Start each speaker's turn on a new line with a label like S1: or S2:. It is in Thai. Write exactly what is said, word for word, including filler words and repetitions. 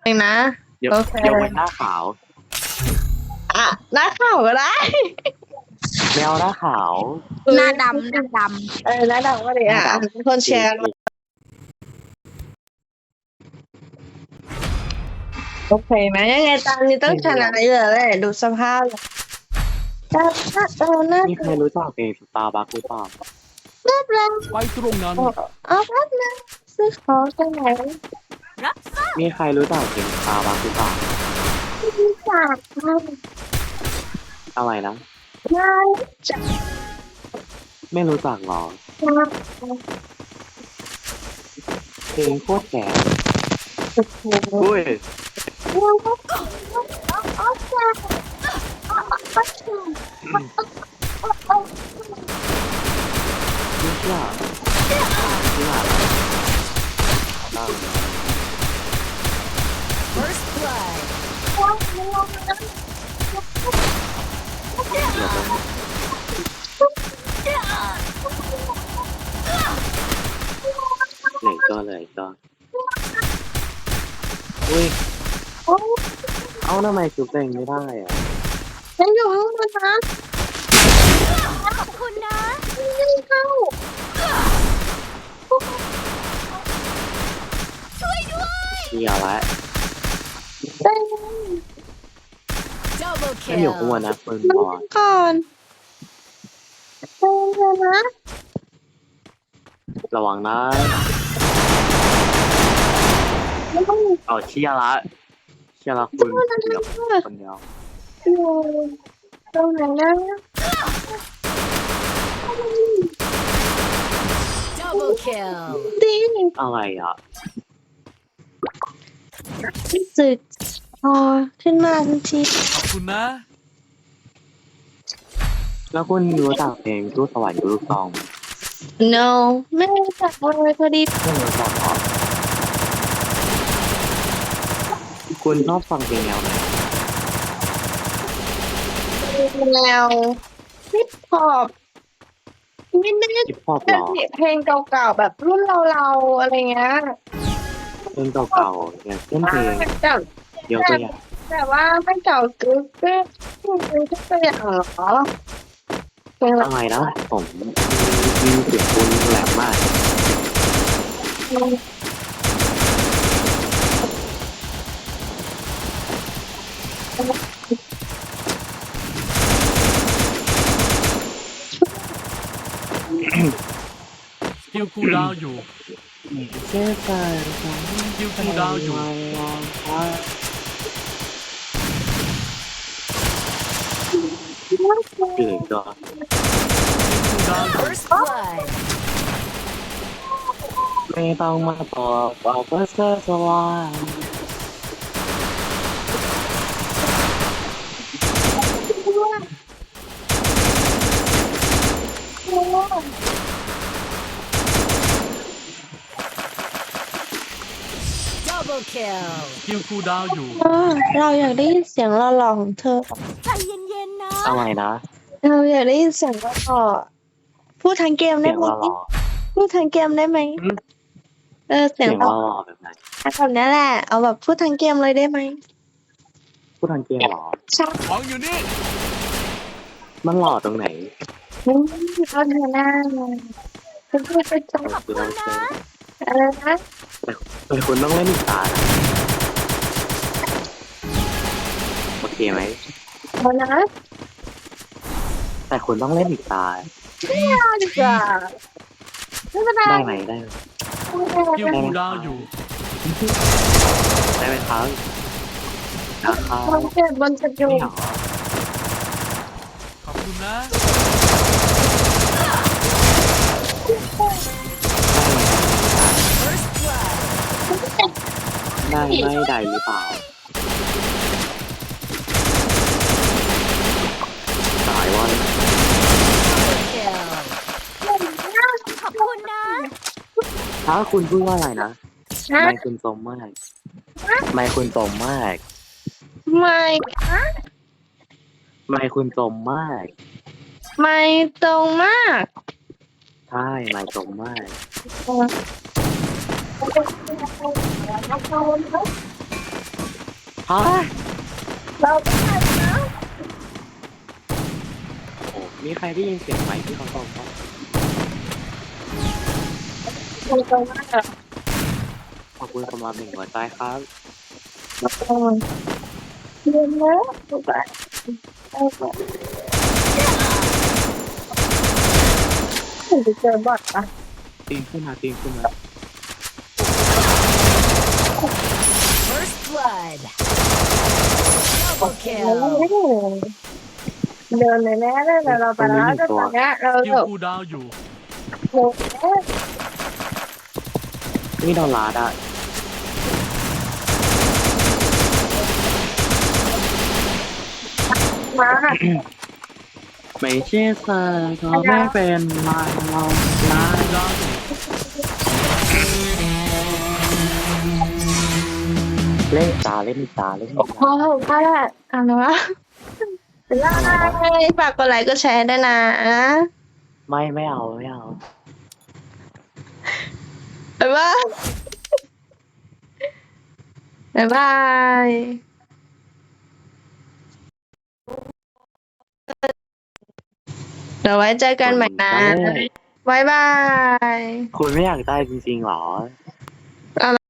S1: เองนะ
S2: เดี๋ยว
S1: โอเค
S2: เดี๋ยวเป็นหน้าขาว
S1: อ่ะหน้าขาวก็ได้
S2: แมวหน้าขาว
S3: หน้าดำหน้าด
S1: เออหน้าดำก็ดีอ่ะ
S2: หน้าดำ
S1: เป็นคนแชร์มาโอเคไหมยังไงตอนนี้ต้องชนะเยอะเลยดูสภาพหน้าหน้าเออหน้า
S2: มีใครรู้จักเพลงสตาร์บัคหรือเปล่า
S1: หน้าแรง
S4: ไปตรงนั้น
S1: เอาแป๊บนึงซื้อของจากไหน
S2: มีใครรู้จักเพลงสตาร์บัคหรือเปล่า
S1: ไม่จาก
S2: อะไรนะ
S1: ไม่จาก
S2: ไม่รู้จักหรอ
S1: จาก
S2: เพลงโคตรแก่
S1: โอ้โห
S2: อุ้ย
S1: เราก็เอาเอาจากเอาเอาจาก
S2: ไม่เชื่อที่มาตั้ง
S3: First blood
S2: เดี๋ยวต้องเหนื่อยก็เลยก็อุ้ย เอ้าทำไมชุบเองไม่ได้อ่ะ
S1: ฉันอยู่ข้างบนนะ
S3: ขอบคุณนะ
S1: ไม่เข้า
S2: เดียวละ
S1: ได้ไหม
S3: Double
S2: ไม่อยู่ข้างบ
S3: kill
S2: นนะปืน
S1: มัน
S2: บอล
S1: ก่อนได้เลยนะ
S2: ระวังนะเอาเชียร์ละเชียร์ละคุณเดียวคนเดียว
S1: อยู่ตรงไหนนะ
S3: Double kill
S1: ดี
S2: อะไรอ่ะ
S1: สึกพอขึ้นมาทันที
S4: ขอบคุณนะ
S2: แล้วคุณรู้จักเพลงตู้สวรรค์กับลูกซองไหม
S1: no ไม่รู้จักเลยพอดี
S2: ไม่รู้จักหรอคุณชอบฟังเพลงแนวไหน
S1: แนวฮิปฮอปไม่แน่
S2: ฮิปฮอป
S1: ใจ
S2: หรอ
S1: เพลงเก่าๆแบบรุ่นเราๆอะไรเงี้ย
S2: เพลงเก่าๆอย่างเช่นเพลง
S1: แต่
S2: ยกตัวอย่าง
S1: แต่ว่าไม่เก่าคือคือคือตัวอย่างเหรอเพลง
S2: อะไรนะผมมีเสียงคุณแหลมมาก
S4: สกิลคูลดาวน์อยู่
S2: เชื่อใจ
S4: สกิลคูลดาวน์อยู่
S2: เกิดก็
S4: คูลดาวน์อยู่
S3: First blood
S2: ไม่ต้องมาบอกบอกว่าเธอสว่าง
S3: Double kill
S4: สกิลคูลดาวน์อยู่
S1: เราอยากได้ยินเสียงหล่อๆของเธอ
S3: ใจเย็นๆนะ
S2: อะไรนะ
S1: เราอยากได้ยินเสียงหล่อๆพูดทางเกม
S2: เสี
S1: ได้
S2: ยง
S1: ไหม
S2: หล่อ
S1: พูดทางเกมได้ไหม
S2: อืม
S1: เออ
S2: ๆ
S1: เสีย
S2: เสี
S1: ง
S2: ยง
S1: ห
S2: ห
S1: ล่อ
S2: ล่อๆแบบไหน
S1: แบบนี้แหละ เอาแบบพูดทางเกมเลยได้ไหม
S2: พูดทางเกมหรอ
S1: ใช่
S4: ของอยู่นี่
S2: มันหล่อตรงไหน
S1: ไม่เอาเธอหน้าเลยคุณพูดไปจบ
S2: ขอบคุณนะ
S1: อะไรนะ
S2: แต่คุณต้องเล่นอีกตานะโอเคไหม
S1: เอานะ
S2: แต่คุณต้องเล่นอีกตา
S1: ไม่เอาดีกว่าไม่เป็นไร
S2: ได้ไหมได้ไหม
S4: สกิลคูลดาวน์อยู่
S2: ได้ไหมครับนะครับ
S1: บนเจ็บบนเจ็บอยู่
S2: ไม่หรอ
S4: ขอบคุณนะ
S3: First blood
S2: ได้ไหมได้ไม่ได้หรือเปล่าตายวัน
S3: Double kill ขอบคุณนะ
S2: ถ้าคุณพูดว่าอะไรนะ
S1: นะ
S2: ไม่คุณสมมากไม่คุณสมมาก
S1: ไม่คะ
S2: ไม่คุณสมมาก
S1: ไม่ตรงมาก
S2: ใช่ไม่สมมาก
S1: เออ
S2: ฮะ
S1: เราก็ได้นะ
S2: โอ้มีใครได้ยินเสียงไหมที่เขาบอกว่า
S1: เราก็ว่าเรา
S2: ขอบคุณสำหรับหนึ่งหัวใจครับ
S1: ก็เรียนแล้วเราก็เราก็ถึงจะเจอบอทปะ
S2: ตีนขึ้นมาตีนขึ้นมา
S3: First blood. Double
S1: เราไม่
S3: kill.
S1: ได้เดินเลยแน่เลยแต่เราไปแล้วก็ตอนเนี้ยเรา
S4: คิว
S1: แบบ
S4: คูลดาวน์อยู่
S1: โอ้โห
S2: นี่โดนลาดอ่ะ
S1: มา
S2: ไม่ใช่เธอก็ไม่เป็นไรเราลา
S4: คูลดาวน์อยู่
S2: เล่นตาเล่นตาเล่น
S1: โอ้
S2: ตา
S1: โหก็ได้อ่านวะไล่ฝากกดไลค์ก็แชร์ด้วยนะ
S2: ไม่ไม่เอาไม่เอา
S1: บ๊ายบายบ๊ายบายเดี๋ยวไว้เจอกันใหม่นะบ๊ายบาย
S2: คุณไม่อยากได้จริงๆหรอ